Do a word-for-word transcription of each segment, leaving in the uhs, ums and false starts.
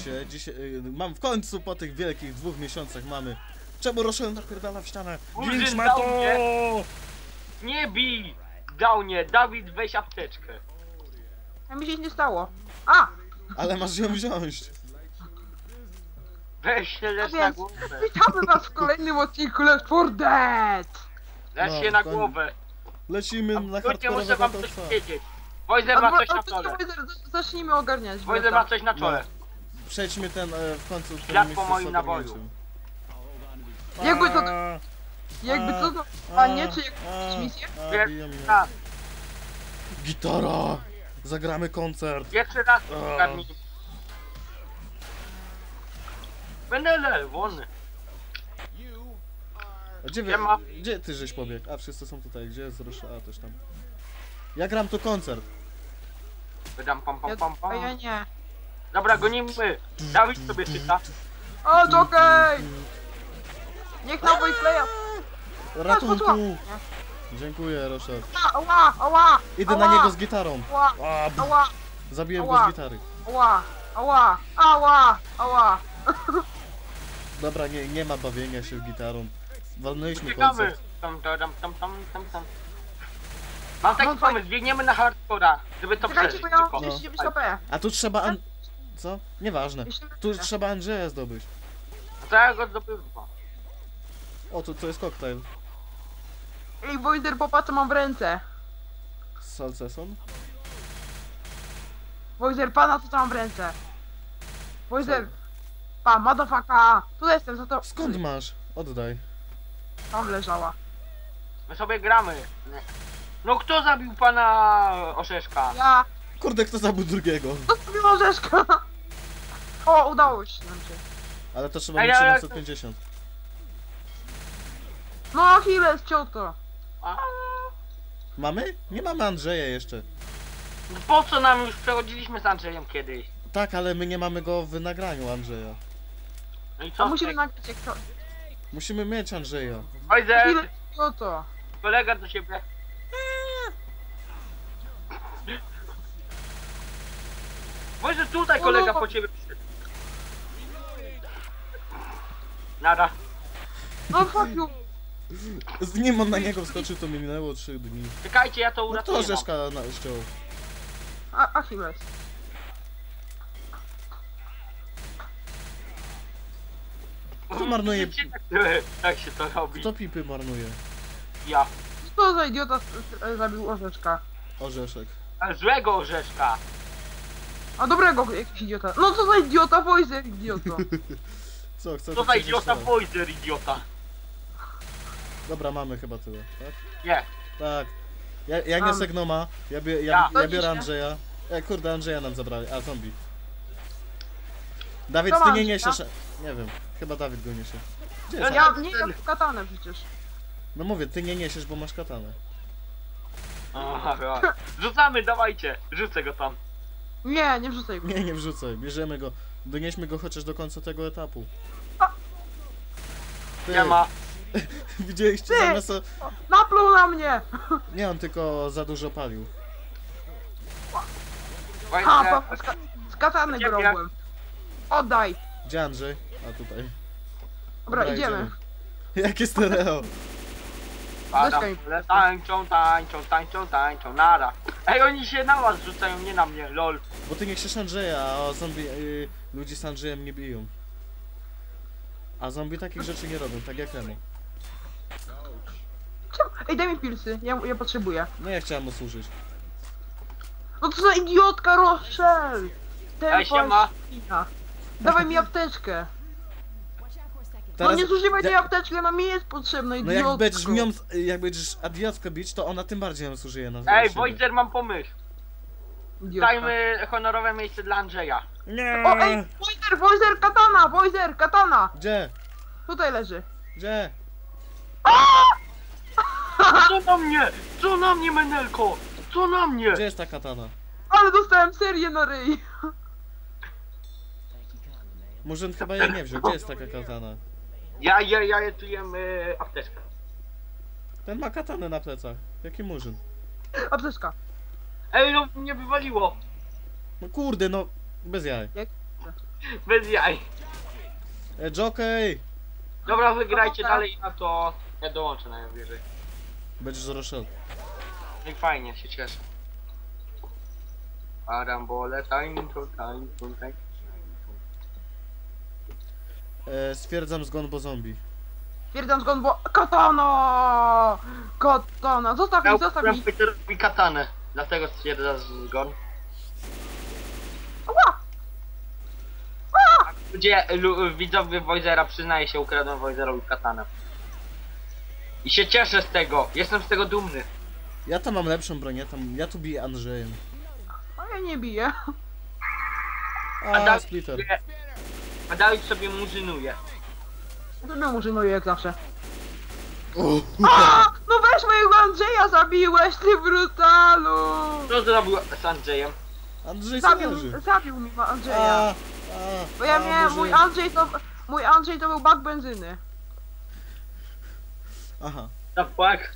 słuchajcie, dzisiaj, y, mam w końcu po tych wielkich dwóch miesiącach mamy... Czemu Rochelle napierdala w ścianę? Grinch ma to! Nie bij! Downie, Dawid, weź apteczkę. A mi się nic nie stało. A! Ale masz ją wziąć. Weź się lecz A na więc głowę. witamy was w kolejnym odcinku Left four Dead! Lecz No, się na koń- głowę. Lecimy na Absolutnie muszę hardkorowego wam coś topa. powiedzieć. Wojzer ma Albo- coś na albo- czole. Wojzer, zacznijmy ogarniać. Wojzer ma coś na czole. Przejdźmy ten e, w końcu... w Ślad tym po miejscu moim z naboju. ogarnięciem. Jakby to... A, Jakby a, to... to a, a nie, czy a, jakąś misję? a, Pierwszy biją mnie. raz, Gitara! Zagramy koncert! pierwszy raz A. zgadnij. Będę lewony. A Gdzie, wy, Siema. gdzie ty żeś pobiegł? A wszyscy są tutaj, gdzie jest Rochelle? A też tam. Ja gram tu koncert. Wydam pam pam pam A ja pam. nie. Dobra, gonimy. Dawid sobie czyta. O, Jokej! Niech na playa. Ratunku! Dziękuję, Rochelle. Ała, ała! Idę ała, na niego z gitarą. Ała, A, b- ała, zabiłem go Ała. z gitary. ała, ała, ała, ała. Dobra, nie, nie ma bawienia się gitarą. Walnęliśmy Uciekamy. koncert. Tam, tam, tam, tam, tam, tam, tam. Mam taki Mam pomysł, biegniemy na hardcora, żeby to Czekajcie, przeżyć bo ja mam tylko. trzydzieści dziewięć H P. A tu trzeba... An... Co? Nieważne. Jeszcze- Tu trzeba Andrzeja zdobyć. To ja go zdobywam. O, to, to jest koktajl. Ej, Wojzer, popatrz co mam w ręce. Salceson? Wojzer, pana co mam w ręce. Wojzer, pa, motherfucker. Tu jestem, za to... Skąd masz? Oddaj. Tam leżała. My sobie gramy. Nie. No kto zabił pana Orzeszka? Ja... Kurde, kto zabił drugiego? To sobie orzeszka. O, udało się nam się. Ale to trzeba Ej, mieć ale- siedemset pięćdziesiąt. No, Achilles, cioto. A, Mamy? Nie mamy Andrzeja jeszcze. no po co nam już przechodziliśmy z Andrzejem kiedyś? Tak, ale my nie mamy go w nagraniu Andrzeja. No i To co? musimy nagrać jak to... Musimy mieć Andrzeja. Wojzer, Achilles, cioto. kolega do siebie. Wojzer, tutaj kolega po ciebie przyszedł. Nara. No, fuck you. Z nim on na niego wskoczył, to minęło trzy dni. Czekajcie, ja to No uratuję. to Rzeszka na ściął. A, Achilles. Kto marnuje... Wiecie, tak, tak się to robi. Kto pipy marnuje? Ja. Co za idiota s- s- zabił orzeszka? Orzeszek. A złego Orzeszka. A dobrego jakiś idiota. No co za idiota, Wojzer, idioto. Co, chcesz Co za przejść idiota teraz? Wojzer, idiota. Dobra, mamy chyba tyle, tak? Nie. Tak. Ja, ja nie Mamy. Segnoma, ja, bie, ja, Ja. ja biorę Andrzeja. E, kurde, Andrzeja nam zabrali. A, zombie. Dawid, Co ty mam, nie ja? niesiesz... Nie wiem, chyba Dawid go niesie. Gdzie jest? Ja- Ja nie mam katanę przecież. No mówię, ty nie niesiesz, bo masz katanę. Aha, rzucamy, dawajcie. Rzucę go tam. Nie, nie wrzucaj go. Nie, nie wrzucaj, bierzemy go. Donieśmy go chociaż do końca tego etapu. A. Ty, Nie ma. Widzieliście Ty. zamiast... o- Napluł na mnie! Nie, on tylko za dużo palił. Ha, Wojzer, pa, z, ka z katany Ciebie. grobłem. Oddaj. Gdzie Andrzej? A tutaj. Dobra, idziemy. Jakie stereo? padam. Weź Ale tańczą, tańczą, tańczą, tańczą, nara. Ej, oni się na was rzucają, nie na mnie, lol. Bo ty nie chcesz Andrzeja, a zombie... Yy, ludzi z Andrzejem nie biją. A zombie takich rzeczy nie robią, tak jak Emo. Czemu? Ej, daj mi pilsy, ja, ja potrzebuję. No ja chciałem mu służyć. No co za idiotka, Rochelle! Ej, siema. świnia. Dawaj mi apteczkę. No Teraz... nie zużywaj tej Ja- apteczki, ona mi jest potrzebna, No idiotko. jak będziesz mią... jak będziesz adiotkę bić, to ona tym bardziej nam służyje na Ej, siebie. Wojzer, mam pomysł. Idiotka. Dajmy honorowe miejsce dla Andrzeja. Nie! O, ej, Wojzer, Wojzer, katana, Wojzer, katana! Gdzie? Tutaj leży. Gdzie? Co na mnie? Co na mnie, Menelko? Co na mnie? Gdzie jest ta katana? Ale dostałem serię na ryj. Murzyn chyba jej nie wziął. Gdzie jest taka katana? Ja, ja, ja, ja tu jem y, apteczkę. Ten ma katanę na plecach. Jaki Murzyn? Apteczka. Ej, no mnie wywaliło. No kurde, no... Bez jaj. Jak? Bez jaj. E, Jockey! Dobra, wygrajcie Dobra. dalej, a to ja dołączę najwyżej. Będziesz z Rochelle. No i fajnie, się cieszę. Parambole, tańczą, tańczą, tańczą. E, stwierdzam zgon, bo zombie. Stwierdzam zgon, bo... Katana! Katana! Zostaw mi, zostaw mi! Peterowi katanę, dlatego stwierdza zgon. Ała! Ludzie, lu, widzowie Wojzera, przyznaje się, ukradłem Wojzerowi katanę. I się cieszę z tego, jestem z tego dumny. Ja tam mam lepszą broń, ja tam, ja tu biję Andrzejem. A ja nie biję. A, Dawid splitter. sobie- A Dawid sobie murzynuje. To mnie murzynuję jak zawsze. Uuu. A! No weź mojego Andrzeja zabiłeś, ty brutalu! Co zrobił z Andrzejem? Andrzej Zabił, leży. zabił mi Andrzeja. A, a, Bo ja a, miałem, może- mój Andrzej to... Mój Andrzej to był bak benzyny. Aha. The fuck?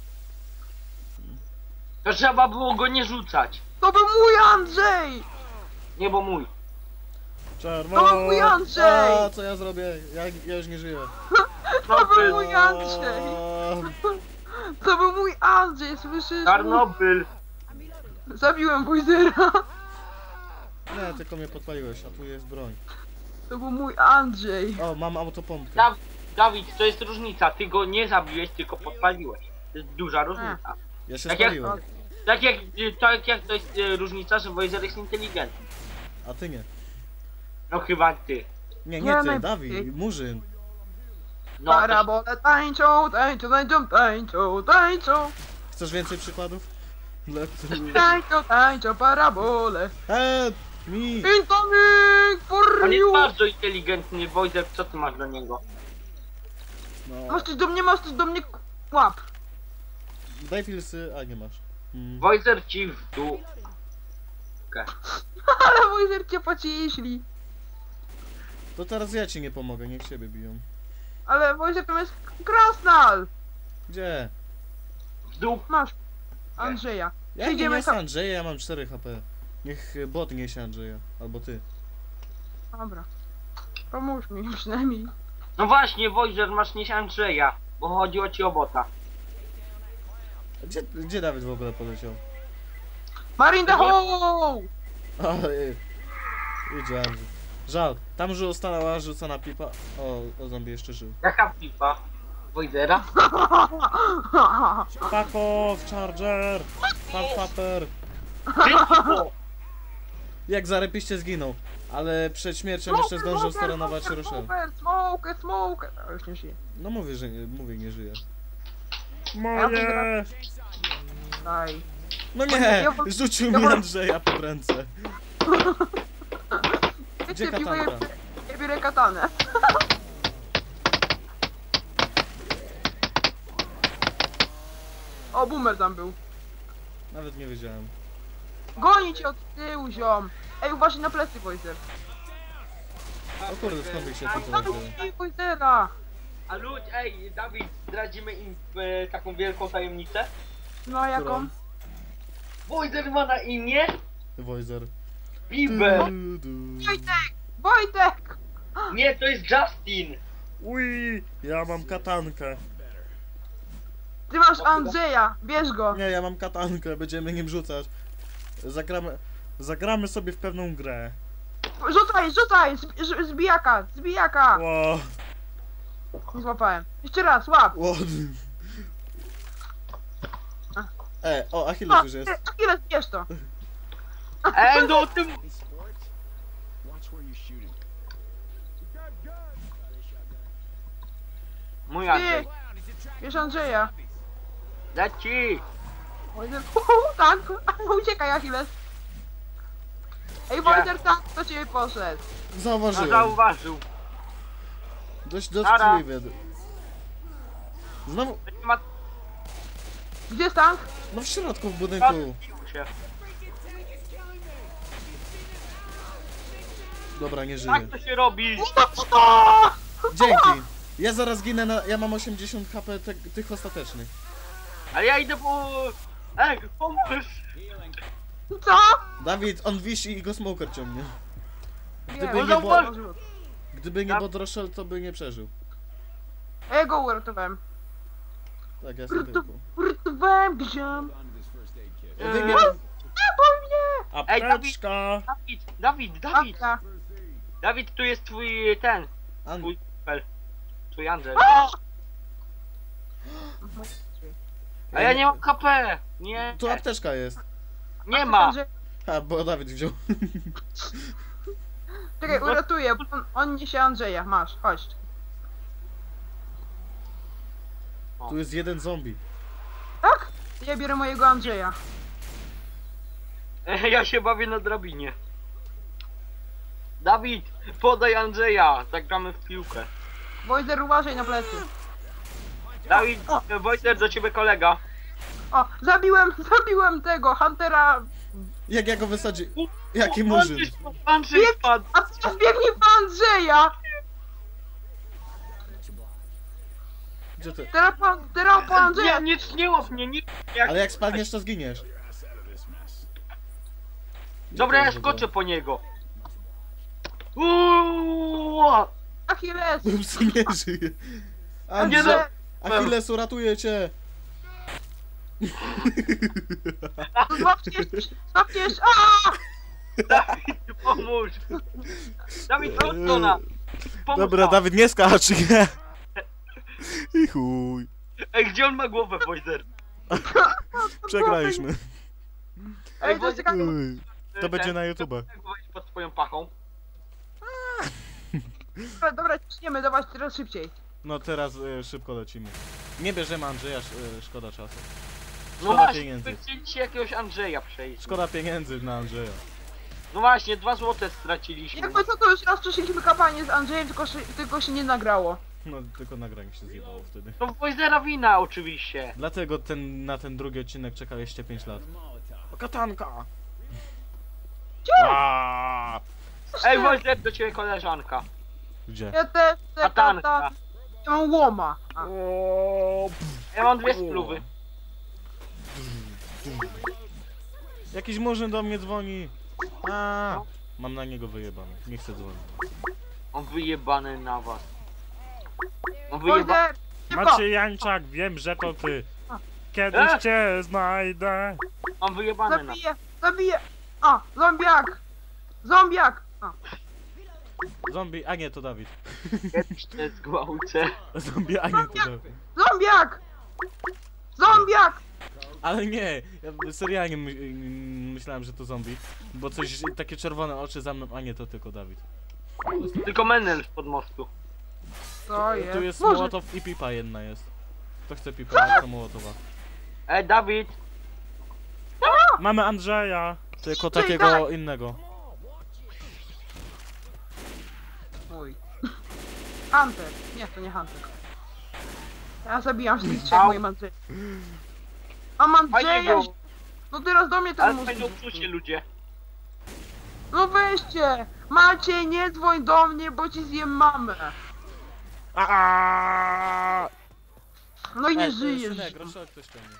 To trzeba było go nie rzucać. To był mój Andrzej! Nie, bo mój. Czerwono. To był mój Andrzej! A, co ja zrobię? Ja, ja już nie żyję. To był Czarnobyl. mój Andrzej! A, To był mój Andrzej, słyszysz? Czarnobyl. Zabiłem Wojzera. nie, tylko mnie podpaliłeś, a tu jest broń. To był mój Andrzej. O, mam autopompkę. Da Dawid, to jest różnica. Ty go nie zabiłeś, tylko podpaliłeś. To jest duża różnica. Ja się Tak jak- spaliłem, Tak jak, tak jak to jest e, różnica, że Wojzer jest inteligentny. a ty nie. No chyba ty. Nie, Ja nie ty, najpierw- Dawid, Murzyn. No, to, Parabole tańczą, tańczą, tańczą, tańczą, tańczą. Chcesz więcej przykładów? Dla których... Tańczą, tańczą, parabole. Help me! Incoming for on jest you! bardzo inteligentny. Wojzer, co ty masz do niego? No, Masz coś do mnie, masz coś do mnie, łap. daj filsy, a nie masz. Mm. Wojzer ci w dół. Ale Wojzer cię pociśli. To teraz ja ci nie pomogę, niech siebie biją. Ale Wojzer to jest krasnal. Gdzie? W dół. Masz Andrzeja. Ja nie Idziemy niosę tam. Andrzeja, ja mam cztery H P. Niech y, bot niesie Andrzeja, albo ty. Dobra. Pomóż mi przynajmniej. No właśnie, Wojzer, masz nieść Andrzeja. Bo chodziło ci o bota. A Gdzie, gdzie Dawid w ogóle poleciał? Marine the hole! O, y, idzie Andrzej. Żal, tam już została rzucona pipa. O, o zombie jeszcze żył. Jaka pipa? Wojzera? Fuck off, charger! Fuck papper! Szybko! Jak zarepiście zginął, ale przed śmiercią jeszcze zdążył staranować Rochelle. Smoker, smoker, smoker. A już nie żyje. No mówię, że nie, mówię, nie żyje. Ja Moje! Daj. No nie! Ja wol- Rzucił ja mi wol- Andrzeja pod ręce. Gdzie Wiecie, piwo, ja, katanka? ja biorę katanę. O, boomer tam był. Nawet nie wiedziałem. Goni cię od tyłu, ziom. Ej, uważaj na plecy, Wojzer. O kurde, skąd ich się Ej, tutaj tam wzięło? jest Wojzera. A ludź, ej, Dawid, zdradzimy im e, taką wielką tajemnicę. No, a jaką? Którą? Wojzer ma na imię Wojzer. Bieber. Du, du. Wojtek! Wojtek! Nie, to jest Justin. Ui, ja mam katankę. Ty masz Andrzeja, bierz go. Nie, ja mam katankę, będziemy nim rzucać. Zagramy, zagramy sobie w pewną grę. Rzucaj, rzucaj! Zb- z- Zbijaka, zbijaka! Ło, Nie złapałem. Jeszcze raz, łap! ło. E, o, Achilles O, już jest. ty, Achilles, bierz to. Ej, no tym... Mój Andrzej. Bierz Andrzeja. Leci. Wojzer, uhu, tak, uciekaj Achilles. Ej, Wojzer, tak, do ciebie poszedł. No Zauważyłem. zauważył. Dość Nara. dotkliwie. Znowu, To nie ma... Gdzie jest tank? no w środku w budynku. Odbił się. Dobra, nie żyje. Tak to się robi. Dzięki. Ja zaraz ginę na... Ja mam osiemdziesiąt H P te, tych ostatecznych. Ale ja idę po... Ej, pomóż. Co? Dawid, on wisi i go smoker ciągnie. Gdyby Nie, nie on było- zauważył. Gdyby nie Bodroszel, to by nie przeżył. A ja go uratowałem. Tak, ja sobie tylko. Uratowałem gziom. Wy mnie... Zabój mnie! Apteczka! Dawid, Dawid, Dawid, Apka. Dawid, tu jest twój ten, An... twój pel. Twój Andrzej. A! A ja nie mam H P! Nie, Tu apteczka jest. nie ma! A, bo Dawid wziął. Czekaj, uratuję, bo on, on niesie Andrzeja. Masz, chodź. Tu jest jeden zombie. Tak? Ja biorę mojego Andrzeja. Ja się bawię na drabinie. Dawid, podaj Andrzeja, zagramy w piłkę. Wojzer, uważaj na plecy. Dawid, O. Wojtek, do ciebie kolega. O, zabiłem, zabiłem tego, Huntera. Jak ja go wysadzi... Jaki murzyn. Andrzej spadł, Andrzej spadł. A ty biegnij po Andrzeja! Gdzie ty? Teraz po, teraz po Andrzeja! Nie, nie, nie łap mnie, nie. Jak... Ale jak spadniesz, to zginiesz. Gdzie Dobra, to ja jest w ogóle? skoczę po niego. Uuuu! Achilles! Ups, nie żyje. Nie no. Andrzej, Achilles, uratuję cię. Złapcie, złapcie, aaa! Dawid, pomóż! Dawid, chodź do nas! Pomóż Dobra, nam. Dawid, nie skacz, nie. I chuj. Ej, gdzie on ma głowę, Wojzer? Przegraliśmy. Ej, to jest taka... Uj. To będzie na YouTube. Wejść pod swoją pachą. Dobra, dobra, ciśniemy, dawać teraz szybciej. No teraz e, szybko lecimy. Nie bierzemy Andrzeja, sz, e, szkoda czasu. No Szkoda właśnie, pieniędzy. wy chcieliście jakiegoś Andrzeja przejść. Szkoda pieniędzy na Andrzeja. No właśnie, dwa złote straciliśmy. Jakby co, to już raz przeszliśmy kampanię z Andrzejem, tylko, się- tylko się nie nagrało. No tylko nagranie się zjebało wtedy. To Wojzera wina oczywiście. Dlatego ten, na ten drugi odcinek czekaliście pięć lat. O, katanka! Aaaa! Ej, Wojzer, do ciebie koleżanka. Gdzie? Ja też chcę Katanka. kata. Ja mam łoma. A. O, Ja mam dwie spluwy. Jakiś murzyn do mnie dzwoni. A, mam na niego wyjebane. Nie chcę dzwonić. On wyjebany na was. On wyjebany. Wojzer! Szybko! Maciej Jańczak, wiem, że to ty. Kiedyś E? cię znajdę. On wyjebany na. Zabiję! Zabiję! A! Zombiak! Zombiak! A. Zombie, a nie, to Dawid. Kiedyś cię zgwałcę. Zombie, a nie, to Dawid. Zombiak! Zombiak! Ale nie, ja serialnie my, myślałem, że to zombie. Bo coś, takie czerwone oczy za mną, a nie, to tylko Dawid. Tylko Menel pod mostu. To jest. Tu jest Może- Mołotow i pipa jedna jest. Kto chce pipa, to Mołotowa. Ej, Dawid. Mamy Andrzeja, tylko Czekaj. takiego innego. Mój. Hunter. Nie, to nie Hunter. Ja zabijam wszystkich trzech Au. moim Andrzejem. Mam Fajnie Andrzeja! go. No teraz do mnie ten Ale mózg. fajnie uczucie, ludzie. No weźcie! Maciej, nie dzwoń do mnie, bo ci zjem mamę. Aaaa! No i nie Ej, żyjesz. synek, Roszek ktoś ciągnie.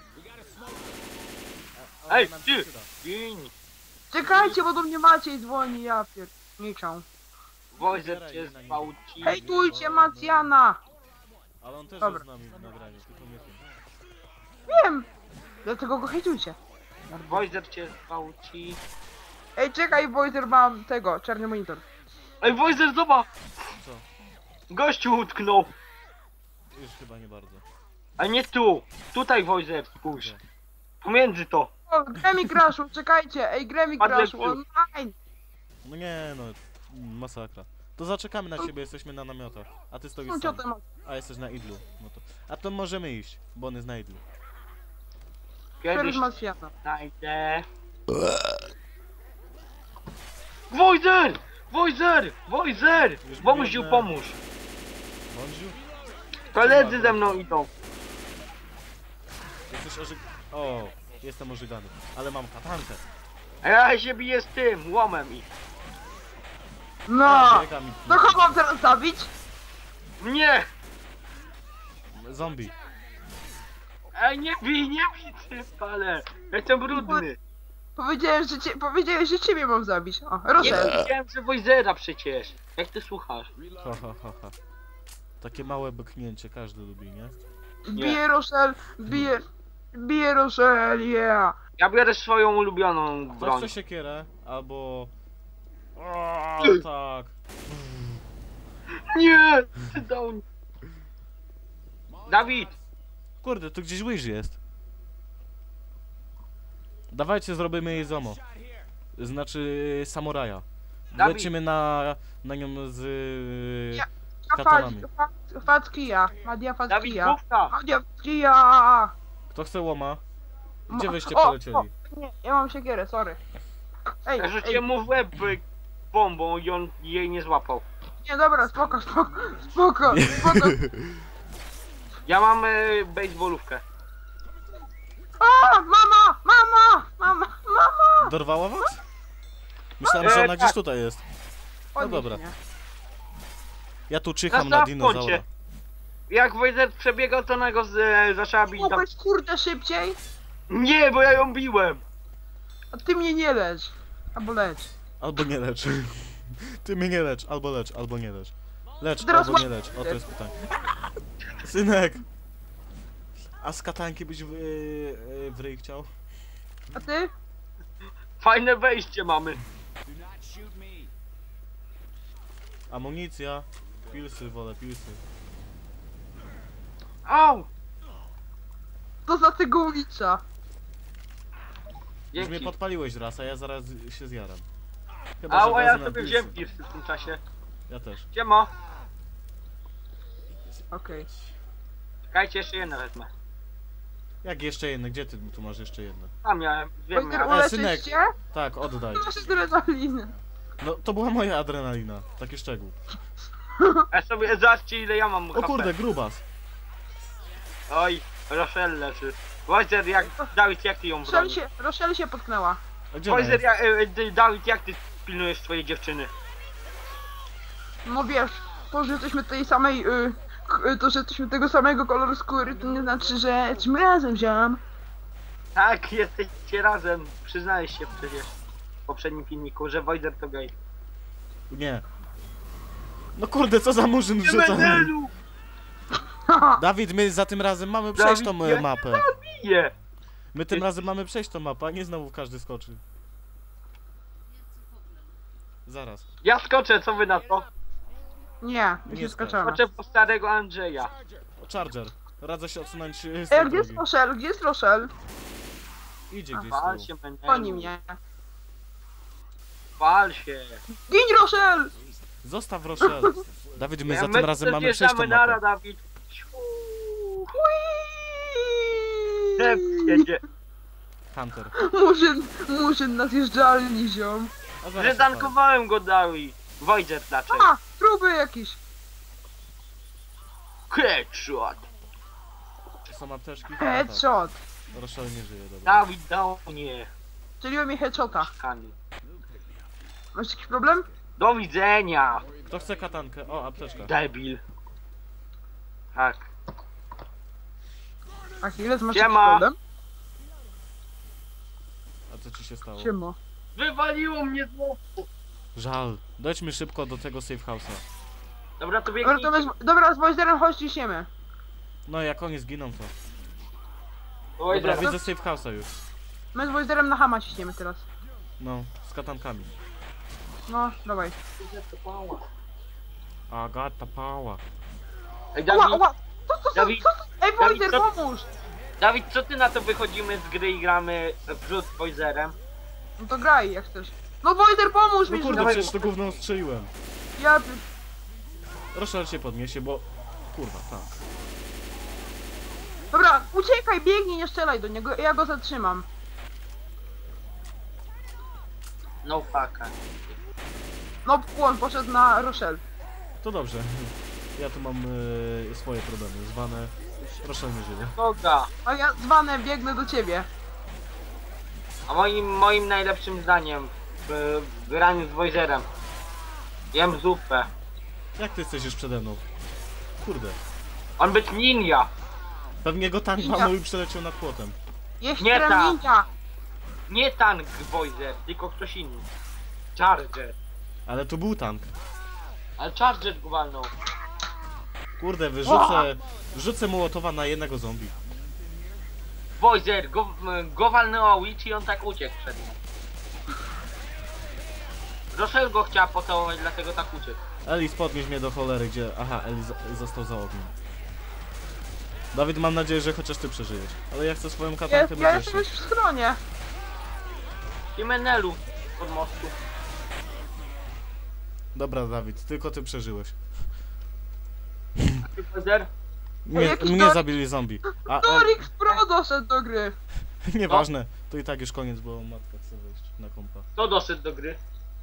Ej, ty! Gin! Czekajcie, bo do mnie Maciej dzwoni, ja pierniczę. Wojzer cię zgwałci. Hejtujcie Macjana! Ale on też Dobra. jest z nami w nagraniu, tylko nie wiem. Wiem! Dlatego go hejtujcie. Wojzer cię zgwałci. Ej, czekaj, Wojzer, mam tego, czarny monitor. Ej, Wojzer, zobacz! Co? Gościu utknął. Już chyba nie bardzo. A nie tu. Tutaj Wojzer, spójrz. Pomiędzy to. O, Gremi Crashu, czekajcie! Ej, Gremi Padle Crashu, tu. online! No nie no, mm, masakra. To zaczekamy na ciebie, jesteśmy na namiotach. A ty stoisz No sam. ciotem. A jesteś na idlu. No to... A to możemy iść, bo on jest na idlu. Kiedyś Kiedyś Macjana. znajdę. Wojzer! Wojzer! Wojzer! Już Bomuziu, biegnę. pomóż. Bądziu? Koledzy ze mną idą. Jesteś ożyg... O, jestem ożygany. Ale mam katankę. A ja się biję z tym, łomem i. No! Biega mi- To kogo mam teraz zabić? Mnie! Zombie. Ej, nie bij, nie bij, ty spale! Ja jestem brudny. Powiedziałem, że cię, powiedziałeś, że ciebie mam zabić. O, Nie Rosel. widziałem, że Wojzera przecież. Jak ty słuchasz? Ha, ha, ha, ha. Takie małe byknięcie każdy lubi, nie? Bije Rosel, bije... Bije Rosel, yeah. Ja biorę swoją ulubioną Ktoś broń. chce siekierę, albo... O, tak. Nie! Ty dał... Dawid! Kurde, tu gdzieś łyż jest. Dawajcie, zrobimy jej zomo. Znaczy samuraja. Dawid. Lecimy na, na nią z Ja- katanami. Fatkia, Madia Dawid, Fatkia. główka! Madia Fatkia. Kto chce łoma? Gdzie Ma- wyście o, polecieli? o, Nie, ja mam siekierę, sorry. Ej, Ja ej, rzuciłem mu w łeb y, bombą i on jej nie złapał. nie, dobra, spoko, spoko, spoko, spoko. Ja mam y, baseballówkę. A, mama, mama, mama, mama. Dorwała was? Myślałem, że E, ona tak. gdzieś tutaj jest. Podnieś dobra. mnie. Ja tu czyham Na na koncie. dinozaura. Jak Wojzer przebiegał, to ona go z, e, zaczęła bić. Tam... Mogłeś kurde szybciej? Nie, bo ja ją biłem! A ty mnie nie lecz. Albo leć. Albo nie lecz. Ty mnie nie lecz, albo lecz, albo nie lecz. Lecz, Teraz albo nie łap- lecz. O, to jest pytanie. Synek! A z katanki byś w, yy, w ryj chciał? A ty? Fajne wejście mamy. Amunicja. Pilsy, wolę pilsy. Au! To za tego ulicza. Już mnie Dzięki. podpaliłeś raz, a ja zaraz się zjaram. Chyba, Au, a ja wezmę sobie pilsy. wziąłem pirsy w tym czasie. Ja też. Siema. Okej. Czekajcie, jeszcze jedno wezmę. Jak jeszcze jedno? Gdzie ty tu masz jeszcze jedno? Tam miałem, wiem Wojter, miałem. E, synek. uleczyć cię? Tak, oddaj. Masz adrenalinę. No, to była moja adrenalina. Taki szczegół. Ja sobie zobaczcie ile ja mam O H P. kurde, grubas. Oj, Rochelle leży. Wojzer, jak... Dawid, jak ty ją Rochelle bronisz? się, Rochelle się potknęła. A gdzie ona Wojzer, jest? jak... E, ty, Dawid, jak ty pilnujesz swojej dziewczyny? No wiesz, to, że jesteśmy tej samej, y, k- y, to, że jesteśmy tego samego koloru skóry, to nie znaczy, że jesteśmy razem, ziom. Tak, jesteście razem. Przyznałeś się przecież w poprzednim filmiku, że Wojzer to gej. Nie. No kurde, co za murzyn Nie wrzuca. menelu! Dawid, my za tym razem mamy przejść tą Dawid, e, mapę. Bije! My tym razem mamy przejść tą mapę, a nie znowu każdy skoczy. Zaraz. Ja skoczę, co wy na to? Nie, my Nie się skacz. skaczamy. Skoczę po starego Andrzeja. O, Charger. Radzę się odsunąć e, z Ej, tej gdzie jest drogi. Rochelle? Gdzie jest Rochelle? Idzie gdzieś Pal z się, tyłu. menelu. Goni mnie. Pal się. Gin, Rochelle! Zostaw Rochelle. Dawid, my za My tym razem mamy przejść tą zjeżdżamy nara, mapę. Dawid. Hui! Dep jedzie. Hunter. Murzyn, murzyn na zjeżdżalni, ziom. A zaraz Zretankowałem go, Dawid. Wojzer dlaczego? A, próby jakieś. Headshot. odpal. Są apteczki? Headshot. Tak. Rochelle nie żyje, dobra. Dawid dał mnie. Strzeliło mi headshota. Kani. Masz jakiś problem? Do widzenia. Kto chce katankę? O, apteczka. Debil. Tak. Achilles, masz Siema. jakiś problem? A co ci się stało? Siema. Wywaliło mnie znowu. Żal. Dojdźmy szybko do tego safe house'a. Dobra, to Dobra, biegnij. to my, z- dobra, z Wojzerem chodź ciśniemy. No jak oni zginą to. Wojzer. Dobra, widzę safe house'a już. My z Wojzerem na Hama ciśniemy teraz. No, z katankami. No, dawaj. I got the power. Ej, Ła, Dawid, ła! Co to, co, Dawid, co to? Ej, Dawid, Wojzer, co- pomóż! Dawid, co ty na to wychodzimy z gry i gramy w rzut z Wojzerem? No to graj, jak chcesz. No Wojzer, pomóż No mi! kurde, Dawaj. przecież to gówno strzeliłem. Ja... Rochelle się podniesie, bo... Kurwa, tak. Dobra, uciekaj, biegnij, nie strzelaj do niego, ja go zatrzymam. No fucka. No, on poszedł na Rochelle. To dobrze. Ja tu mam e, swoje problemy. Zwane... Rochelle nie żyje. Boga. A ja zwane biegnę do ciebie. A moim, moim najlepszym zdaniem w, w graniu z Wojzerem. Jem zupę. Jak ty jesteś już przede mną? Kurde. On być ninja. Pewnie go tank Ninja. walnął i przeleciał nad płotem. Jeszcze Nie tak. ninja! Nie tank Voizer, tylko ktoś inny. Charger. Ale tu był tank. Ale Charger go walnął. Kurde, wyrzucę... Rzucę Mołotowa na jednego zombie. Voizer, go, go walnęła Witch i on tak uciekł przed nim. Rochelle go chciała pocałować, dlatego tak uciekł. Elis, podnieś mnie do cholery, gdzie... Aha, Elis zo- został za ogniem. Dawid, mam nadzieję, że chociaż ty przeżyjesz. Ale ja chcę swoją Ja, katankę ja mieć jestem już w schronie. I Menelu pod mostu. Dobra, Dawid, tylko ty przeżyłeś. Ty Voizer? Mnie, jakiś mnie Dor- zabili zombie. A, a Dorix Pro doszedł do gry. nieważne, to i tak już koniec, bo matka chce wejść na kompa. Kto doszedł do gry?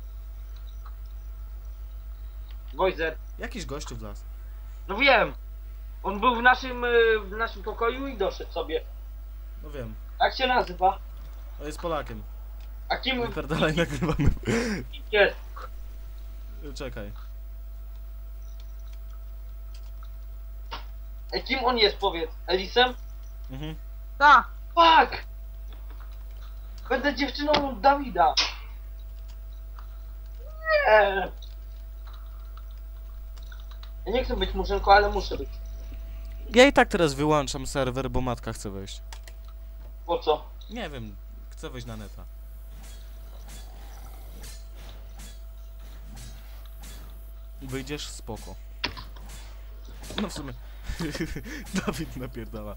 Voizer. Jakiś gościu w las. No wiem. On był w naszym, y, w naszym pokoju i doszedł sobie. No wiem, Jak się nazywa? to jest Polakiem. A kim Wypierdalaj, nagrywamy. jest? Czekaj. A kim on jest, powiedz? Elisem? Mhm. Ta. Fuck! Będę dziewczyną Dawida. Nie. Ja nie chcę być murzynką, ale muszę być. Ja i tak teraz wyłączam serwer, bo matka chce wejść. Po co? Nie wiem, chcę wejść na neta. Wyjdziesz? Spoko. No w sumie... Dawid napierdala.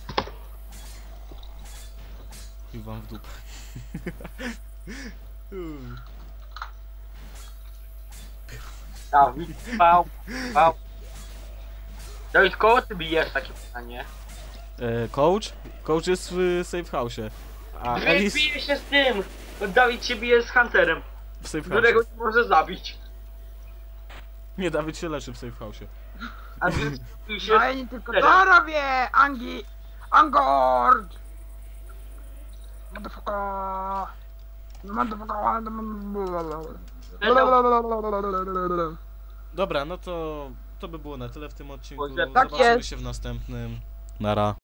I wam w dupę. Uuu. Dawid, pał, pał. Dawid, koło ty bijesz, takie pytanie? E, coach? Coach jest w safe house'ie. A Drake Elis bije się z tym! Dawid się bije z Hunterem, w safe którego house'ie. nie może zabić. Nie, Dawid się leczy w safe house'ie. A Drake bije się No z... ja nie tylko Teraz. to robię. Angi. Angord. Motherfucker. Motherfucker. Dobra, no to to by było na tyle w tym odcinku. Oj, tak Zobaczymy jest. się w następnym. Nara.